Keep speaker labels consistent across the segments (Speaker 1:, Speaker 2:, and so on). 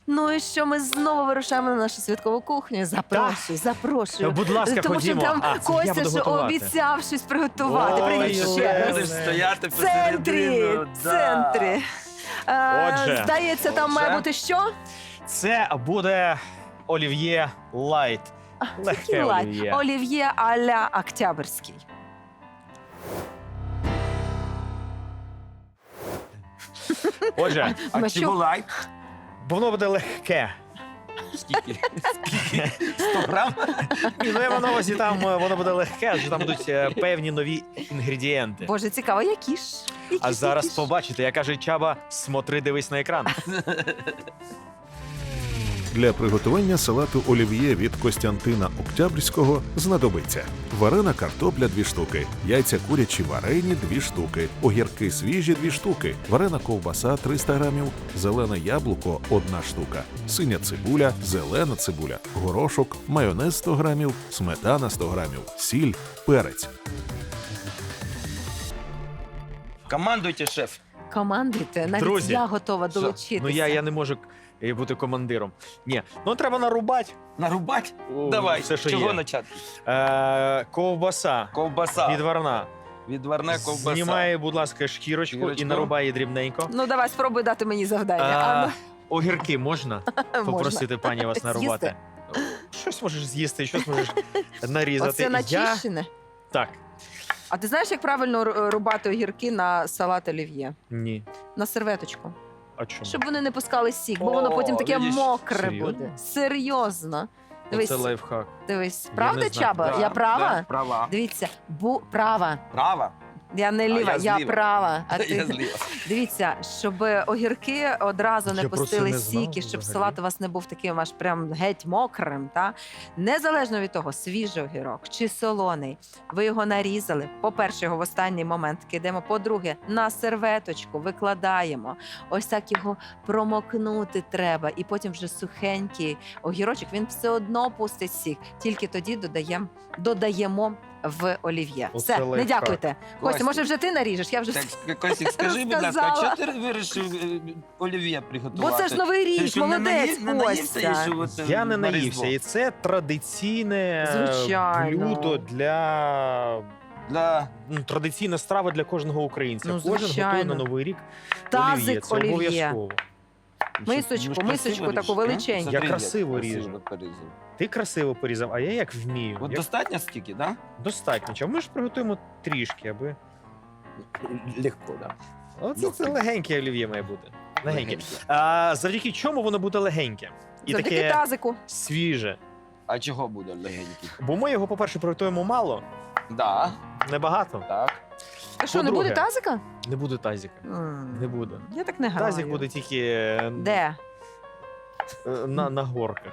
Speaker 1: Ну і що, ми знову вирушаємо на нашу святкову кухню. Запрошую.
Speaker 2: Будь ласка,
Speaker 1: Тому
Speaker 2: ходімо.
Speaker 1: що там
Speaker 2: Я
Speaker 1: Костя
Speaker 2: буду
Speaker 1: ж
Speaker 2: готувати.
Speaker 1: обіцяв щось приготувати.
Speaker 2: Ой,
Speaker 1: Привіт
Speaker 2: ой,
Speaker 1: ще раз.
Speaker 3: Будеш стояти
Speaker 1: В центрі,
Speaker 3: посередину.
Speaker 1: в центрі.
Speaker 2: Отже.
Speaker 1: Здається, там має
Speaker 3: Отже.
Speaker 1: бути що?
Speaker 2: Це буде олів'є лайт. Легке олів'є.
Speaker 1: Олів'є а-ля Октябрьський.
Speaker 2: Отже,
Speaker 3: А
Speaker 1: Ми
Speaker 3: чи
Speaker 1: що?
Speaker 3: лайк?
Speaker 2: воно буде легке.
Speaker 3: Скільки? 100 грам?
Speaker 2: Ні, ну я маю на увазі, там воно буде легке, адже там будуть певні нові інгредієнти.
Speaker 1: Боже, цікаво, які ж?
Speaker 2: А зараз побачите, як каже Чаба, смотри, дивись на екран.
Speaker 4: Для приготування салату олів'є від Костянтина Октябрьського знадобиться варена картопля 2 штуки, яйця курячі варені 2 штуки, огірки свіжі 2 штуки, варена ковбаса 300 грамів, зелене яблуко 1 штука, синя цибуля, зелена цибуля, горошок, майонез 100 грамів, сметана 100 грамів, сіль, перець.
Speaker 3: Командуйте, шеф.
Speaker 1: Командуйте, навіть
Speaker 2: Друзі,
Speaker 1: я готова долучитися.
Speaker 2: Ну я не можу бути командиром. Ні, ну треба нарубати.
Speaker 3: Нарубать?
Speaker 2: О,
Speaker 3: Давай,
Speaker 2: все, що
Speaker 3: чого
Speaker 2: є.
Speaker 3: почати?
Speaker 2: Ковбаса
Speaker 3: Ковбаса.
Speaker 2: відварна.
Speaker 3: Відварна ковбаса.
Speaker 2: Знімає, будь ласка, шкірочку і
Speaker 3: Шкірочку.
Speaker 2: нарубає дрібненько.
Speaker 1: Ну, давай, спробуй дати мені завдання.
Speaker 2: Огірки можна попросити пані вас нарубати?
Speaker 1: З'їсти?
Speaker 2: Щось можеш з'їсти, щось можеш нарізати.
Speaker 1: Оце начищене.
Speaker 2: Так.
Speaker 1: А ти знаєш, як правильно рубати огірки на салат олів'є?
Speaker 2: Ні.
Speaker 1: На серветочку.
Speaker 2: А чому?
Speaker 1: Щоб вони не пускали сік, бо
Speaker 3: О,
Speaker 1: воно потім таке
Speaker 3: видиш,
Speaker 1: мокре
Speaker 2: серйозно?
Speaker 1: буде. Серйозно. Дивись,
Speaker 2: Це лайфхак.
Speaker 1: дивись.
Speaker 2: Я
Speaker 1: Правда,
Speaker 2: не знаю.
Speaker 1: Чаба? Я права?
Speaker 3: Да, права.
Speaker 1: Дивіться, права.
Speaker 3: Права?
Speaker 1: Я не ліва,
Speaker 3: я
Speaker 1: я
Speaker 3: зліва.
Speaker 1: права. А
Speaker 3: Я
Speaker 1: ти...
Speaker 3: зліва.
Speaker 1: Дивіться, щоб огірки одразу не
Speaker 2: Я про це
Speaker 1: пустили
Speaker 2: не знав
Speaker 1: сіки, щоб
Speaker 2: взагалі.
Speaker 1: салат у вас не був таким аж прям геть мокрим. Та? Незалежно від того, свіжий огірок чи солоний, ви його нарізали. По-перше, його в останній момент кидаємо. По-друге, на серветочку викладаємо. Ось так його промокнути треба. І потім вже сухенький огірочок, він все одно пустить сік. Тільки тоді додаємо в олів'є.
Speaker 2: Оце
Speaker 1: Все, не
Speaker 2: лайфхак.
Speaker 1: дякуйте. Костя,
Speaker 3: Костя.
Speaker 1: може вже ти наріжеш? Я вже
Speaker 3: Так, Костік, скажи, будь ласка, а
Speaker 1: Сказала.
Speaker 3: чого ти вирішив олів'є приготувати?
Speaker 1: Бо це ж новий
Speaker 3: Ти
Speaker 1: рік,
Speaker 3: що, не
Speaker 1: молодець,
Speaker 3: не наївся
Speaker 1: Костя.
Speaker 3: і що от,
Speaker 2: Я не
Speaker 3: на
Speaker 2: наївся.
Speaker 3: Різдво?
Speaker 2: І це традиційне
Speaker 1: Звичайно.
Speaker 2: блюдо для...
Speaker 3: Для...
Speaker 2: Традиційна страва для кожного українця.
Speaker 1: Ну,
Speaker 2: Кожен готує
Speaker 1: звичайно.
Speaker 2: на Новий рік
Speaker 1: Тазик
Speaker 2: олів'є. Це
Speaker 1: олів'є.
Speaker 2: обов'язково.
Speaker 1: Мисочку,
Speaker 3: Ну, ж
Speaker 1: мисочку
Speaker 3: красиво
Speaker 1: таку
Speaker 3: ріж,
Speaker 1: величеньку.
Speaker 3: а?
Speaker 2: Я
Speaker 3: Смотри,
Speaker 2: красиво
Speaker 3: як
Speaker 2: ріжу.
Speaker 3: порізав.
Speaker 2: Ти красиво порізав, а я як вмію.
Speaker 3: От
Speaker 2: Як...
Speaker 3: достатньо стільки, так?
Speaker 2: Достатньо. А ми ж приготуємо трішки, аби...
Speaker 3: Легко, так.
Speaker 2: Оце це легеньке олів'є має бути. Легеньке.
Speaker 3: Легеньке.
Speaker 2: А завдяки чому воно буде легеньке? І
Speaker 1: Завдяки
Speaker 2: таке
Speaker 1: тазику.
Speaker 2: свіже.
Speaker 3: А чого буде легенький?
Speaker 2: Бо ми його, по-перше, приготуємо мало,
Speaker 3: Да,
Speaker 2: небагато.
Speaker 3: так.
Speaker 1: А що, не
Speaker 2: По-друге,
Speaker 1: буде тазика?
Speaker 2: Не буде тазика. Не буде.
Speaker 1: Я так не граю.
Speaker 2: Тазик буде тільки
Speaker 1: Де?
Speaker 2: на горках.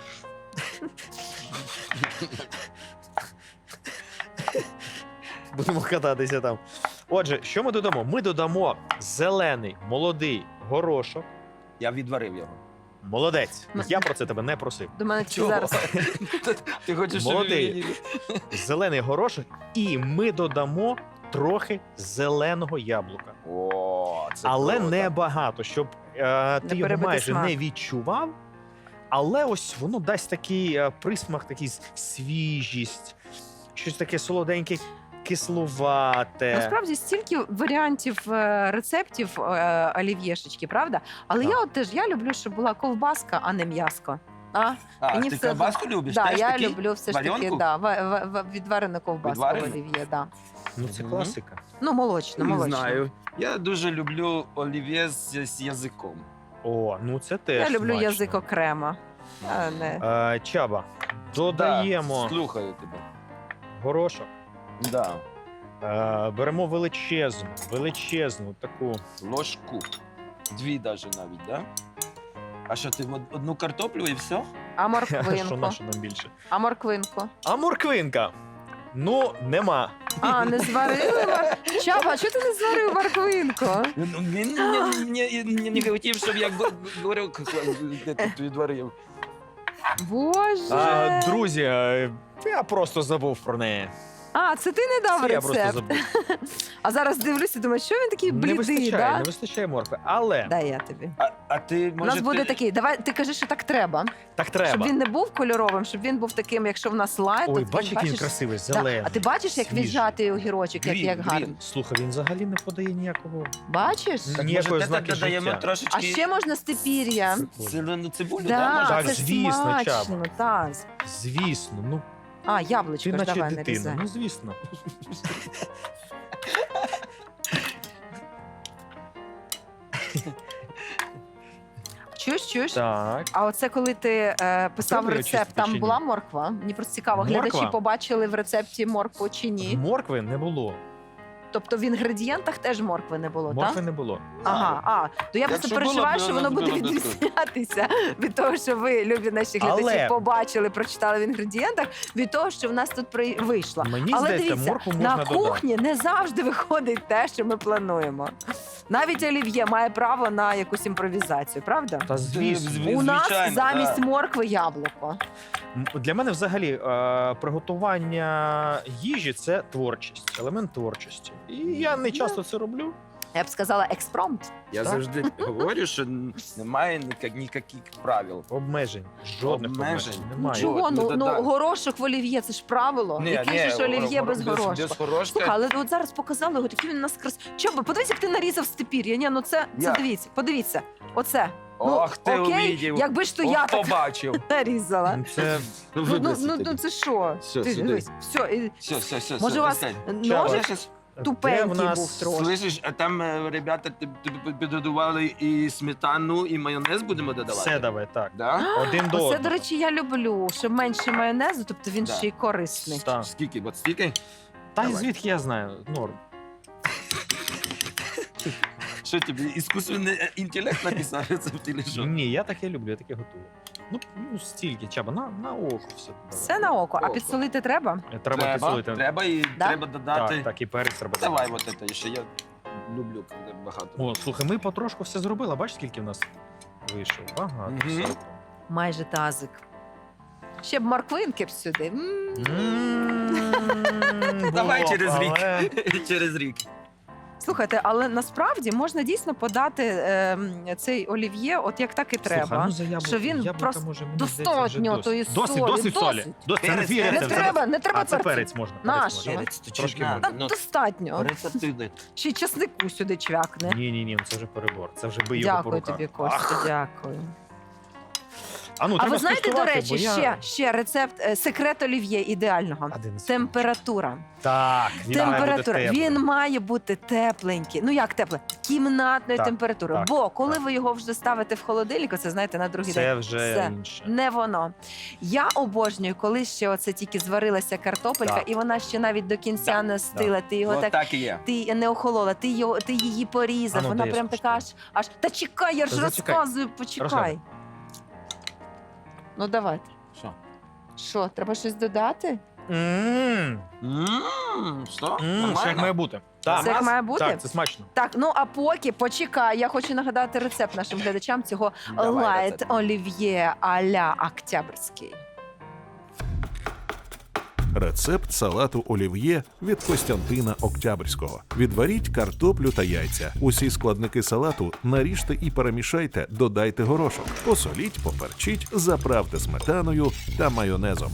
Speaker 2: Будемо кататися там. Отже, що ми додамо? Ми додамо зелений, молодий горошок.
Speaker 3: Я відварив його.
Speaker 2: Молодець.
Speaker 1: Ну.
Speaker 2: Я про це тебе не просив.
Speaker 1: До мене тільки
Speaker 3: Чого?
Speaker 1: зараз.
Speaker 3: Ти хочеш, щоб
Speaker 2: Молодий.
Speaker 3: він-
Speaker 2: Зелений горошок, і ми додамо трохи зеленого яблука.
Speaker 3: О, це
Speaker 2: Але
Speaker 3: круто.
Speaker 2: не багато, щоб ти його
Speaker 1: перебити
Speaker 2: майже
Speaker 1: смак.
Speaker 2: не відчував. Але ось воно дасть такий присмак, такий свіжість, щось таке солоденьке, кислувате.
Speaker 1: Насправді стільки варіантів рецептів олів'єшечки, правда? Але
Speaker 2: Так.
Speaker 1: я от теж люблю, щоб була ковбаска, а не м'яско.
Speaker 3: А,
Speaker 1: Мені
Speaker 3: ти
Speaker 1: все
Speaker 3: ковбаску любиш?
Speaker 1: Да,
Speaker 3: Теж
Speaker 1: я
Speaker 3: такий?
Speaker 1: люблю все ж таки
Speaker 3: Варіонку?
Speaker 1: відварену ковбаску в
Speaker 3: Відварену?
Speaker 1: олів'є. Да.
Speaker 2: Ну це
Speaker 3: Мгм.
Speaker 2: класика.
Speaker 1: Ну, молочно,
Speaker 3: Не
Speaker 1: молочно.
Speaker 3: знаю. Я дуже люблю олів'є з язиком.
Speaker 2: О, ну це теж
Speaker 1: Я люблю
Speaker 2: смачно.
Speaker 1: язик окремо. Я не...
Speaker 2: Чаба, додаємо
Speaker 3: Да, слухаю тебе.
Speaker 2: горошок,
Speaker 3: Да.
Speaker 2: беремо величезну таку.
Speaker 3: Ложку. 2 даже навіть, да? А що, ти одну картоплю і все?
Speaker 1: А
Speaker 2: Що
Speaker 1: морквинку?
Speaker 2: наше нам більше?
Speaker 1: А морквинку?
Speaker 2: А морквинка? Ну, нема.
Speaker 1: А, не зварили? Чаба, а чого ти не зварив морквинку?
Speaker 3: Він не хотів, щоб я говорив, де тут відварив.
Speaker 1: Боже!
Speaker 2: Друзі, я просто забув про неї.
Speaker 1: А, це ти не дав
Speaker 2: Це я просто
Speaker 1: рецепт.
Speaker 2: забув.
Speaker 1: А зараз дивлюся, думаю, що він такий
Speaker 2: Не
Speaker 1: блідий,
Speaker 2: вистачає,
Speaker 1: да?
Speaker 2: не вистачає моркви. Але
Speaker 1: Дай я тобі.
Speaker 3: А ти,
Speaker 1: У
Speaker 3: може,
Speaker 1: нас буде
Speaker 3: ти...
Speaker 1: такий, давай, ти кажи, що так треба.
Speaker 2: так
Speaker 1: Щоб
Speaker 2: треба.
Speaker 1: він не був кольоровим, щоб він був таким, якщо в нас лайт.
Speaker 2: Ой,
Speaker 1: то
Speaker 2: бачиш, який він
Speaker 1: бачиш?
Speaker 2: красивий,
Speaker 1: Да.
Speaker 2: зелений.
Speaker 1: А ти бачиш, як
Speaker 2: свіжий.
Speaker 1: віджатий огірочок, як,
Speaker 3: Грін,
Speaker 1: як гарно?
Speaker 3: грін.
Speaker 2: Слухай, він взагалі не подає ніякого.
Speaker 1: Бачиш?
Speaker 3: Так,
Speaker 2: Ніякої
Speaker 3: може,
Speaker 2: ознаки
Speaker 3: додаємо
Speaker 2: життя.
Speaker 3: трошечки
Speaker 1: А ще можна степір'я.
Speaker 3: зелену цибулю,
Speaker 1: Да,
Speaker 3: да?
Speaker 2: Так,
Speaker 1: це
Speaker 2: звісно, Чаба.
Speaker 1: смачно, так.
Speaker 2: Звісно, ну
Speaker 1: А,
Speaker 2: ти
Speaker 1: яблучко ж
Speaker 2: наче
Speaker 1: давай
Speaker 2: дитина.
Speaker 1: нарізай.
Speaker 2: Ну, звісно.
Speaker 1: Чуєш?
Speaker 2: Так.
Speaker 1: А оце коли ти писав
Speaker 2: Треба
Speaker 1: рецепт,
Speaker 2: чистити чи
Speaker 1: там
Speaker 2: ні?
Speaker 1: була морква? Мені просто цікаво,
Speaker 2: Морква?
Speaker 1: глядачі побачили в рецепті моркву чи ні?
Speaker 2: Моркви не було.
Speaker 1: Тобто в інгредієнтах теж моркви не було,
Speaker 2: Моркви
Speaker 1: так?
Speaker 2: не було.
Speaker 1: Ага, то я просто
Speaker 3: Якщо було,
Speaker 1: переживаю,
Speaker 3: то
Speaker 1: що воно
Speaker 3: вона
Speaker 1: буде
Speaker 3: буде
Speaker 1: відрізнятися від того, що ви, любі наші глядачі,
Speaker 2: Але-
Speaker 1: побачили, прочитали в інгредієнтах, від того, що в нас тут вийшло.
Speaker 2: Мені
Speaker 1: Але
Speaker 2: здається,
Speaker 1: дивіться,
Speaker 2: моркву можна
Speaker 1: на
Speaker 2: додати.
Speaker 1: кухні не завжди виходить те, що ми плануємо. Навіть олів'є має право на якусь імпровізацію, правда?
Speaker 2: Та звісно.
Speaker 3: Зві-
Speaker 1: У нас
Speaker 3: звичайно,
Speaker 1: замість
Speaker 3: да.
Speaker 1: моркви яблуко.
Speaker 2: Для мене взагалі приготування їжі це творчість, елемент творчості. І я не часто це роблю.
Speaker 1: Я б сказала експромт.
Speaker 3: Я
Speaker 2: Так.
Speaker 3: завжди говорю, що немає ніяких правил.
Speaker 2: Обмежень. Жодних
Speaker 3: Обмежень.
Speaker 2: обмежень. Немає.
Speaker 1: Чого?
Speaker 3: ну,
Speaker 1: Ну,
Speaker 3: да.
Speaker 1: горошок в олів'є, це ж правило. Який же ж олів'є без горошку?
Speaker 3: Без горошка.
Speaker 1: Слухай, але от зараз показали його, такий він у нас Чоба, подивись, як ти нарізав степір'я. Ні, ну це
Speaker 3: Я.
Speaker 1: дивіться, подивіться. Оце.
Speaker 3: Ох, ти
Speaker 1: окей,
Speaker 3: увидів.
Speaker 1: якби ж то я
Speaker 3: Ох,
Speaker 1: так
Speaker 3: побачив.
Speaker 1: нарізала.
Speaker 2: Це
Speaker 1: Ну це що?
Speaker 3: Все,
Speaker 1: Ти
Speaker 3: сюди.
Speaker 1: дивись, все.
Speaker 3: Все,
Speaker 1: Може, у вас ножик
Speaker 3: Слышиш,
Speaker 1: тупенький
Speaker 2: де в нас
Speaker 1: був трошки.
Speaker 3: слышиш, а там ребята підготували і сметану, і майонез будемо додавати?
Speaker 2: все давай, так.
Speaker 3: Да?
Speaker 2: Один до
Speaker 1: Оце,
Speaker 2: одного.
Speaker 1: до речі, я люблю, щоб менше майонезу, тобто він
Speaker 3: Да.
Speaker 1: ще й корисний.
Speaker 2: Так.
Speaker 3: Скільки? От стільки?
Speaker 2: Та й
Speaker 3: Давай.
Speaker 2: звідки я знаю? Норм.
Speaker 3: Що тобі, іскусственний інтелект написав рецепт, чи що?
Speaker 2: Ні, я таке люблю, я таке готую. Ну стільки, Чаба, на око все.
Speaker 1: Все на око, а
Speaker 3: Око.
Speaker 1: підсолити треба?
Speaker 2: Треба підсолити.
Speaker 3: Треба і
Speaker 1: Да?
Speaker 3: треба додати.
Speaker 2: Так, і перець треба.
Speaker 3: Давай
Speaker 2: додати.
Speaker 3: от це, ще я люблю, коли багато.
Speaker 2: О, слухай, ми потрошку все зробили. Бачиш, скільки в нас вийшло? Багато.
Speaker 3: Мгм.
Speaker 2: всього.
Speaker 1: Майже тазик. Ще б морквинки б сюди.
Speaker 3: Давай
Speaker 2: Було,
Speaker 3: через рік.
Speaker 2: але-
Speaker 3: Через рік.
Speaker 1: Слухайте, але насправді можна дійсно подати цей олів'є, от як так і треба.
Speaker 2: Слухай, ну за яблука,
Speaker 1: що він
Speaker 2: яблука,
Speaker 1: просто
Speaker 2: може, мені здається, вже
Speaker 1: достатньо тої
Speaker 2: досить.
Speaker 1: солі.
Speaker 2: Досить солі.
Speaker 1: Досить.
Speaker 2: Досить. Це не
Speaker 3: Перець,
Speaker 2: твій
Speaker 3: перець.
Speaker 1: Не
Speaker 2: рецепт.
Speaker 1: треба, не треба
Speaker 2: А це
Speaker 1: перцю.
Speaker 2: перець можна.
Speaker 1: Наш.
Speaker 2: можна.
Speaker 3: Перець то
Speaker 2: Трошки
Speaker 3: чуть
Speaker 2: можна.
Speaker 1: Та
Speaker 3: Ну,
Speaker 1: достатньо.
Speaker 3: рецептивний.
Speaker 1: Чи чеснику сюди чвякне.
Speaker 2: Ні, це вже перебор. Це вже бий його по
Speaker 1: Дякую
Speaker 2: руках.
Speaker 1: тобі, Костя, дякую.
Speaker 2: А ну,
Speaker 1: А
Speaker 2: треба
Speaker 1: ви знаєте, до
Speaker 2: скуштувати,
Speaker 1: речі,
Speaker 2: бо я-
Speaker 1: ще рецепт, секрет олів'є ідеального.
Speaker 2: Один з-
Speaker 1: Температура.
Speaker 2: Так, він має бути
Speaker 1: Температура.
Speaker 2: теплий.
Speaker 1: Він має бути тепленький. Ну як тепле? Кімнатної
Speaker 2: Так,
Speaker 1: температури.
Speaker 2: так,
Speaker 1: Бо коли
Speaker 2: так.
Speaker 1: ви його вже ставите в холодильник, це знаєте, на другий день.
Speaker 2: Це вже
Speaker 1: Все.
Speaker 2: інше.
Speaker 1: Не воно. Я обожнюю, коли ще оце тільки зварилася картопелька,
Speaker 2: Так.
Speaker 1: і вона ще навіть до кінця
Speaker 3: Так,
Speaker 1: не стила. Ти його
Speaker 3: От
Speaker 1: так.
Speaker 3: так і є.
Speaker 1: Ти не охолола, ти її порізав.
Speaker 2: А ну,
Speaker 1: Вона
Speaker 2: дай я
Speaker 1: прям така аж. Та чекай, я ж
Speaker 2: Та зачекай.
Speaker 1: розказую, почекай.
Speaker 2: Розказуй.
Speaker 1: Ну давайте.
Speaker 3: Що?
Speaker 1: Що, треба щось додати?
Speaker 2: М,
Speaker 3: Що?
Speaker 2: Це як
Speaker 3: Нормально?
Speaker 2: має бути.
Speaker 1: Це як має бути?
Speaker 2: Так, це смачно.
Speaker 1: Так, ну а поки почекай, я хочу нагадати рецепт нашим глядачам цього
Speaker 3: Давай
Speaker 1: лайт
Speaker 3: рецепт.
Speaker 1: олів'є а-ля Октябрьський.
Speaker 4: Рецепт салату олів'є від Костянтина Октябрьського. Відваріть картоплю та яйця. Усі складники салату наріжте і перемішайте, додайте горошок. Посоліть, поперчіть, заправте сметаною та майонезом.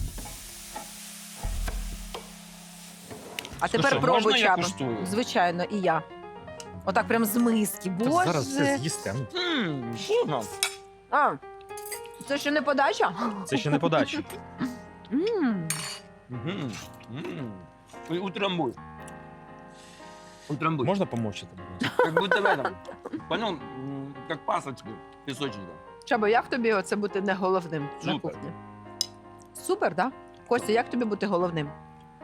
Speaker 1: А тепер
Speaker 3: що,
Speaker 1: пробуй,
Speaker 3: можна я
Speaker 1: Чаба.
Speaker 3: куштую?
Speaker 1: Звичайно, і я. Отак прям з миски.
Speaker 2: Та
Speaker 1: Боже.
Speaker 2: зараз все з'їсте. Ну,
Speaker 3: Вкусно.
Speaker 1: А, це ще не подача?
Speaker 2: це ще не подача.
Speaker 1: М.
Speaker 3: Мгм. І утрамбуй. Утрамбуй.
Speaker 2: Можна помовчати? будь ласка?
Speaker 3: Как будто в этом. Понял? Как пасочки песочника.
Speaker 1: Чаба, як тобі оце бути не головним на
Speaker 3: Супер.
Speaker 1: кухні? Супер, так? Да? Костя, як тобі бути головним?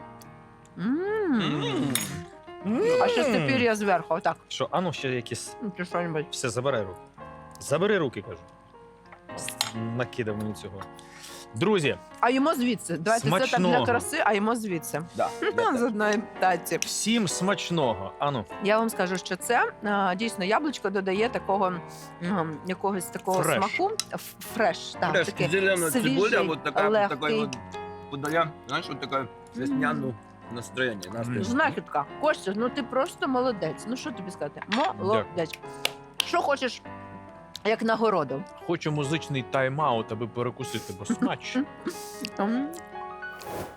Speaker 1: А ще тепер я зверху, отак.
Speaker 2: Що, а ну ще якісь.
Speaker 1: Чи що-небудь.
Speaker 2: Все, забирай руки. Забери руки, кажу. Накидав мені цього. Друзі,
Speaker 1: А йому звідси. Давайте це так для
Speaker 2: Смачного.
Speaker 1: краси, а йому звідси.
Speaker 3: Да.
Speaker 1: З одної таці.
Speaker 2: всім смачного. Ану,
Speaker 1: Я вам скажу, що це дійсно яблучко додає такого якогось такого
Speaker 2: Фреш.
Speaker 1: смаку. Фреш, так,
Speaker 3: Фреш,
Speaker 1: таке
Speaker 3: зелена
Speaker 1: свіжий,
Speaker 3: цибуля, вот такая,
Speaker 1: легкий.
Speaker 3: вот подая, знаешь, вот такая весняную. Настроєння.
Speaker 1: Знахідка. Костя, ну ти просто молодець. Ну що тобі сказати? Молодець. Що хочеш, як нагороду?
Speaker 2: Хочу музичний тайм-аут, аби перекусити, бо смач.
Speaker 1: М.